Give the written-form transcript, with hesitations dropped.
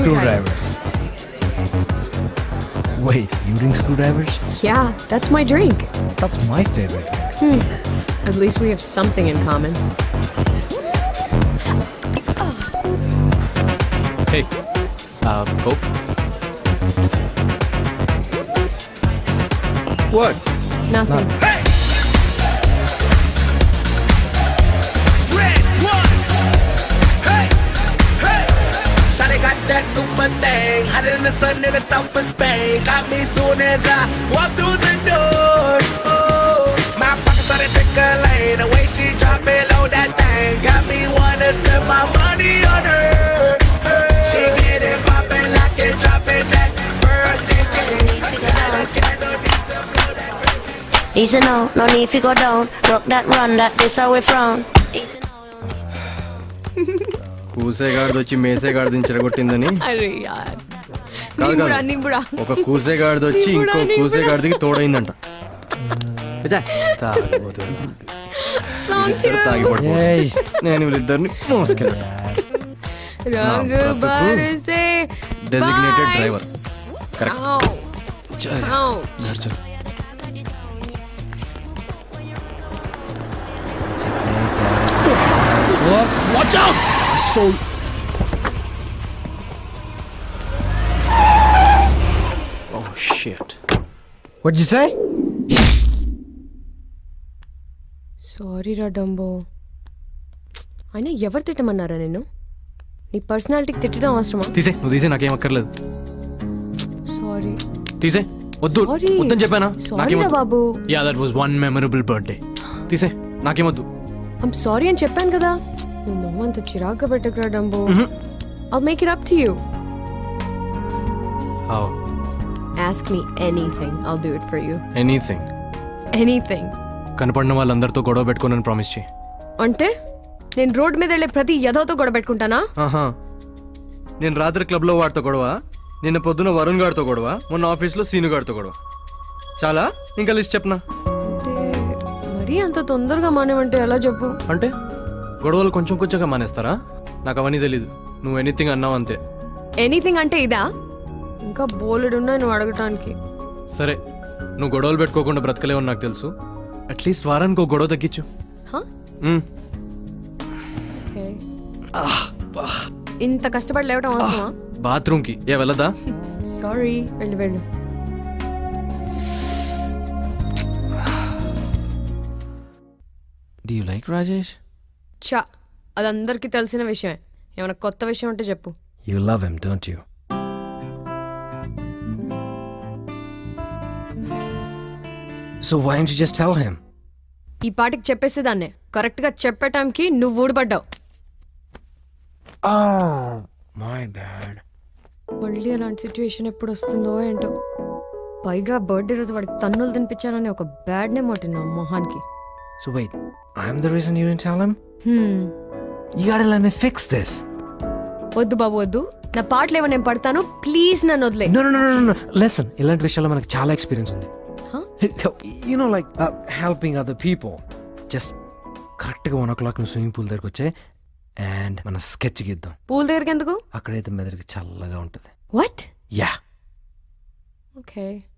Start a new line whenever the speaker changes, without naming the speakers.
screwdriver. Wait, you drink screwdrivers?
Yeah, that's my drink.
That's my favorite drink.
At least we have something in common.
Hey, Coke?
What?
Nothing.
Shawty got that super thing, hotter than the sun in the south of Spain. Got me soon as I walk through the door. Oh, my pocket started tickling, the way she drop it low that thing. Got me wanna spend my money on her. She get it poppin' like it droppin' that birthday cake. Got a candle, need to blow that crazy.
Easy now, no need to go down. Rock that run, that this how we frown. Easy now.
కూసేగాడిది వచ్చి మేసేగాడిది చెడగొట్టిందని
అరే యార్
కాదు
నింబుడా
కాదు.
నింబుడా
ఒక కూసేగాడిది వచ్చి ఇంకో కూసేగాడికి తోడైందంట
song
తాగి పడిపో నేను వీళ్ళిద్దరిని మోసుకెళ్ళాను
రంగ్ బరసే
designated driver correct
Watch out! So.
Oh shit.
What'd you say?
Sorry రా డంబో. అయినా ఎవరు తిట్టమన్నారా నేను? నీ పర్సనాలిటీకి తిట్టడం అవసరమా?
తీసే నువ్వు తీసే నాకేం అక్కర్లేదు
సారీ
తీసే వద్దు
సారీ
వద్దని చెప్పానా
సారీ రా బాబు.
Yeah that was one memorable birthday తీసే నాకేమొద్దు
ఐమ్ సారీ అని చెప్పాను కదా. నువ్వు మొహం అంత చిరాగ్గా పెట్టకురా Dumbo. I'll make it up to you.
How
Ask me anything. I'll do it for you.
Anything
Anything.
కనపడిన వాళ్ళందరితో గొడవ పెట్టుకోనని ప్రామిస్ చేయి
అంటే నేను రోడ్ మీద వెళ్ళే ప్రతి యదవతో గొడవ పెట్టుకుంటానా?
ఆహా నేను రాత్రి క్లబ్లో వాడితో గొడవ, నిన్న పొద్దున వరుణ్ గారితో గొడవ, మొన్న ఆఫీస్లో సీను గారితో గొడవ. చాలా ఇంకా లిస్ట్ చెప్పనా?
అంటే మరీ అంత తొందరగా మానేమంటే ఎలా చెప్పు?
అంటే గొడవలు కొంచెం కొంచెంగా మానేస్తారా? నాకు అవన్నీ తెలీదు. నువ్వు ఎనీథింగ్ అన్నావు అంతే.
ఎనీథింగ్ అంటే ఇదా? ఇంకా బోలెడు ఉన్నాయి నువ్వు అడగటానికి.
సరే నువ్వు గొడవలు పెట్టుకోకుండా బ్రతకలేవని నాకు తెలుసు. అట్లీస్ట్ వారానికి ఒక గొడవ తగ్గించు.
Okay. ఇంత కష్టపడి లేవటం అవసరమా?
బాత్రూమ్కి వెళ్ళదా?
సారీ వెళ్ళు వెళ్ళు.
Do you like Rajesh?
చా అదందరికీ తెలిసిన విషయమే. ఏమైనా కొత్త విషయం ఉంటే చెప్పు.
You love him, don't you? So why didn't you just tell him?
ఈ పాటికి చెప్పేసేదాన్నే. కరెక్ట్గా చెప్పే టైంకి నువ్వు ఊడిపడ్డావు.
Oh, my bad.
మళ్ళీ అలాంటి సిచ్యువేషన్ ఎప్పుడు వస్తుందో ఏంటో. పైగా బర్త్డే రోజు వాడికి తన్నులు తినిపించానని ఒక బ్యాడ్ నేమ్ ఒకటి నా మొహానికి.
So wait, I'm the reason you didn't tell him? You gotta let me fix this.
వద్దు బాబు వద్దు. నా పాటలు ఏమో నేను పడతాను. ప్లీజ్ నన్ను వదిలే.
No. Listen, ఇలాంటి విషయాల్లో మనకు చాలా ఎక్స్పీరియన్స్ ఉంది. You know, like helping other people. Just కరెక్ట్గా 1 o'clock నువ్వు స్విమ్మింగ్ పూల్ దగ్గరకు వచ్చే అండ్ మన స్కెచ్ గీద్దాం.
పూల్ దగ్గరికి ఎందుకు?
అక్కడైతే మెదడుకి చల్లగా ఉంటుంది.
వాట్?
యా.
ఓకే